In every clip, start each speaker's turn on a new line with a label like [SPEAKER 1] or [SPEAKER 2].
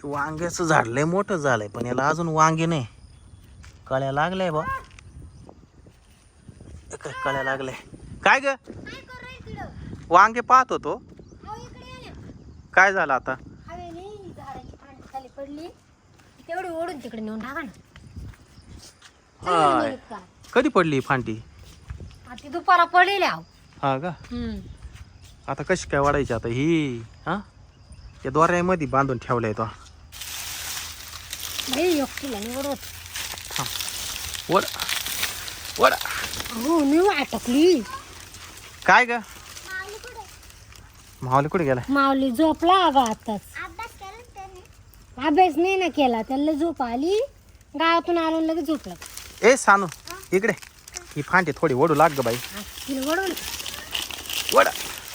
[SPEAKER 1] वांग्याचं झाड लय मोठं झालंय पण याला अजून वांगे नाही. कळ्या लागल्या बा. काय कळ्या लागल्या काय ग? वांगे पाहत होतो. काय झालं आता?
[SPEAKER 2] तेवढी ओढून तिकडे नेऊन टाका ना.
[SPEAKER 1] हाय. कधी पडली फांटी?
[SPEAKER 2] ती दुपारा पडलेली आहो.
[SPEAKER 1] हा का? आता कशी काय वाढायची आता ही? हा या दोऱ्यामध्ये बांधून ठेवलाय तो.
[SPEAKER 2] एकटीला नाही ओढवत.
[SPEAKER 1] वड वड
[SPEAKER 2] हो मी अटकली.
[SPEAKER 1] काय ग? माऊली कुठे गेला?
[SPEAKER 2] माऊली झोपला अगं आताच. अभ्यास नाही ना केला, त्याला झोप आली. गावातून आलो लगेच झोपला.
[SPEAKER 1] ए सानू इकडे. ही फांटी थोडी ओढू लाग ग बाई.
[SPEAKER 2] तिला ओढवलं.
[SPEAKER 1] वड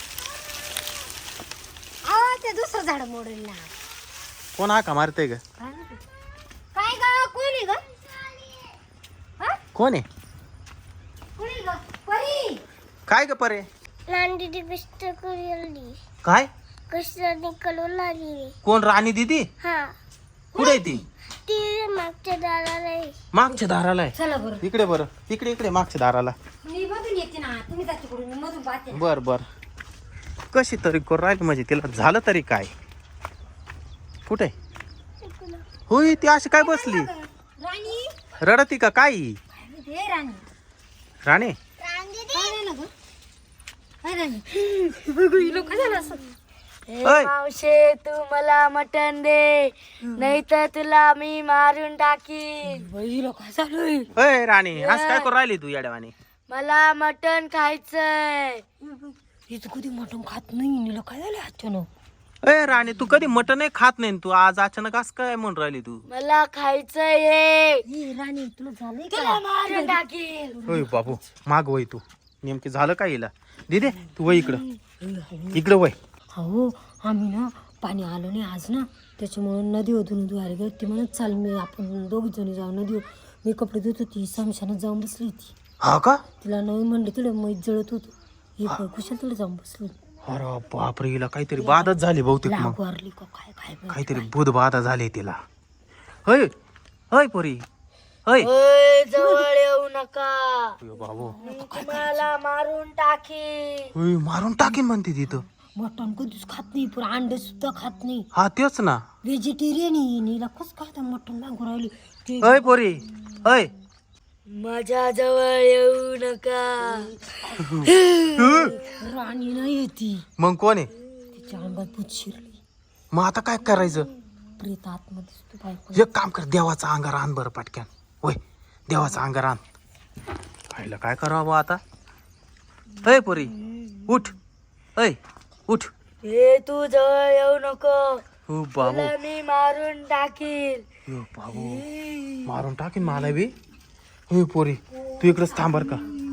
[SPEAKER 2] ते दुसरं झाड मोडेल ना.
[SPEAKER 1] कोण हाका मारतय ग?
[SPEAKER 2] काय ग? कोणी ग?
[SPEAKER 1] कोण आहे?
[SPEAKER 2] कोणी ग? परी.
[SPEAKER 1] काय ग परे?
[SPEAKER 3] राणी कष्ट करू
[SPEAKER 1] काय?
[SPEAKER 3] कष्ट निकलू लागली.
[SPEAKER 1] कोण राणी दीदी?
[SPEAKER 3] हा
[SPEAKER 1] कुठे आहे ती?
[SPEAKER 3] ती मागच्या दाराला आहे.
[SPEAKER 1] मागच्या दाराला आहे.
[SPEAKER 2] चला बरं.
[SPEAKER 1] इकडे बरं. इकडे इकडे मागच्या दाराला.
[SPEAKER 2] मी मधून येते ना, तुम्ही जाते कुठून? मी मधून पाहते ना.
[SPEAKER 1] बर बर. कशी तरी करू राहिली म्हणजे तिला झालं तरी काय? कुठे? होय ती अशी काय बसली?
[SPEAKER 2] राणी.
[SPEAKER 1] रडती का काय?
[SPEAKER 2] हे राणी.
[SPEAKER 1] राणे
[SPEAKER 2] काय झालं ग? काय राणी? बघू ही लोक झालं असं.
[SPEAKER 1] ओय.
[SPEAKER 3] मावशे तू मला मटण दे, नाही तर तुला मी मारून टाकीन.
[SPEAKER 2] बाई लोक झालं.
[SPEAKER 1] अय राणी असं काय करू राहिली तू येड्यावानी?
[SPEAKER 3] मला मटण खायचंय.
[SPEAKER 2] हिचं कधी मटण खात नाही. नीला काय झालं अचानक?
[SPEAKER 1] अय राणी तू कधी मटनही खात नाही. तू आज अचानक असं काय म्हणून राहिली तू?
[SPEAKER 3] मला खायचंय.
[SPEAKER 2] ही राणी तुला झालंय
[SPEAKER 3] तुला
[SPEAKER 2] का?
[SPEAKER 3] मारून टाकीन.
[SPEAKER 1] होय बाबू माग वय तू. नेमकी झालं काय हिला? दिदे तू वय इकडं. इकडं वय.
[SPEAKER 2] हो आम्ही ना पाणी आलो नाही आज ना, त्याच्यामुळे नदी होतून धुवायला गेलो. ती म्हणत चाल मी आपण दोघी जणी जाऊ नदी. मी कपडे धुत होती, समशानात जाऊन बसली होती.
[SPEAKER 1] हा का?
[SPEAKER 2] तिला नवीन म्हणले तिला मैत जळत होतो. ही कुशल तिला जाऊन बसली.
[SPEAKER 1] अरे बापरे हिला काहीतरी बाधच झाली बहुतेक. मग
[SPEAKER 2] लागवारली का काय काय माहिती.
[SPEAKER 1] काहीतरी बुध बाधा झाली तिला. होय होय पोरी होय.
[SPEAKER 3] ओय, जवळ येऊ नका,
[SPEAKER 1] अयो बाबू.
[SPEAKER 3] मी तुम्हाला मारून टाकीन.
[SPEAKER 1] होय मारून टाकीन म्हणते तिथं.
[SPEAKER 2] मटण कधीच खात नाही, पण अंडे सुद्धा खात नाही.
[SPEAKER 1] हा तेच ना.
[SPEAKER 2] व्हेजिटेरियन नीला कसं काय मटण मागू राहिली ते.
[SPEAKER 1] होय पोरी होय.
[SPEAKER 3] माझ्या जवळ येऊ नका.
[SPEAKER 2] राणी नाही येते.
[SPEAKER 1] मग कोण आहे?
[SPEAKER 2] तिच्या अंगात भूत शिरली.
[SPEAKER 1] मग आता काय करायचं?
[SPEAKER 2] प्रेत आतमध्ये दिसतो बायको.
[SPEAKER 1] एक काम कर देवाचा अंगार आण बरं पटक्यान. होय देवाचा अंगार आण. खायला काय करावं आता? होय पोरी उठ. होय उठ.
[SPEAKER 3] हे तू जवळ येऊ नको,
[SPEAKER 1] हो बाबू.
[SPEAKER 3] तुला मी मारून टाकीन.
[SPEAKER 1] यो बाबू मारून टाकीन मला बी. होय पोरी तू इकडेच थांब बर का.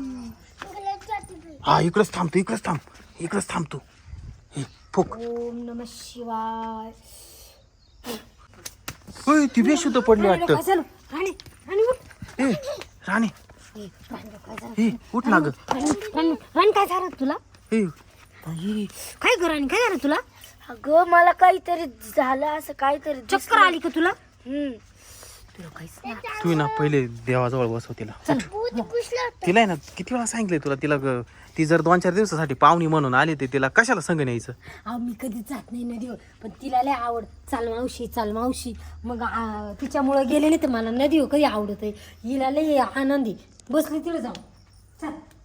[SPEAKER 1] हा इकडेच थांब तू. इकडेच थांब. इकडेच थांब तू. हे फुक.
[SPEAKER 2] ओम नमः शिवाय.
[SPEAKER 1] होय ती बेशुद्ध पडली
[SPEAKER 2] काय
[SPEAKER 1] वाटतं.
[SPEAKER 2] झालं? राणी राणी उठ.
[SPEAKER 1] ए राणी
[SPEAKER 2] ए, राणी काय झालं?
[SPEAKER 1] हे उठ ना ग.
[SPEAKER 2] राणी काय झालं तुला?
[SPEAKER 1] हे
[SPEAKER 2] बाई, काय ग राणी काय झालं तुला?
[SPEAKER 3] अगं मला काहीतरी झालं, असं काहीतरी
[SPEAKER 2] चक्कर आली का तुला?
[SPEAKER 3] तुला
[SPEAKER 2] काहीच नाही.
[SPEAKER 1] तू ना पहिले देवाजवळ बसव तिला. तिला आहे ना किती वेळा सांगितलंय तुला. तिला ती जर 2-4 दिवसासाठी पाहुणी म्हणून आली तर तिला कशाला संग न्यायचं?
[SPEAKER 2] अहो मी कधीच जात नाही नदीवर, पण तिला लय आवड. चाल मावशी चाल मावशी. मग तिच्यामुळे गेले नाही तर मला नदीवर कधी आवडत आहे. हिला लय आनंदी. बसली तिला जाऊ. चल.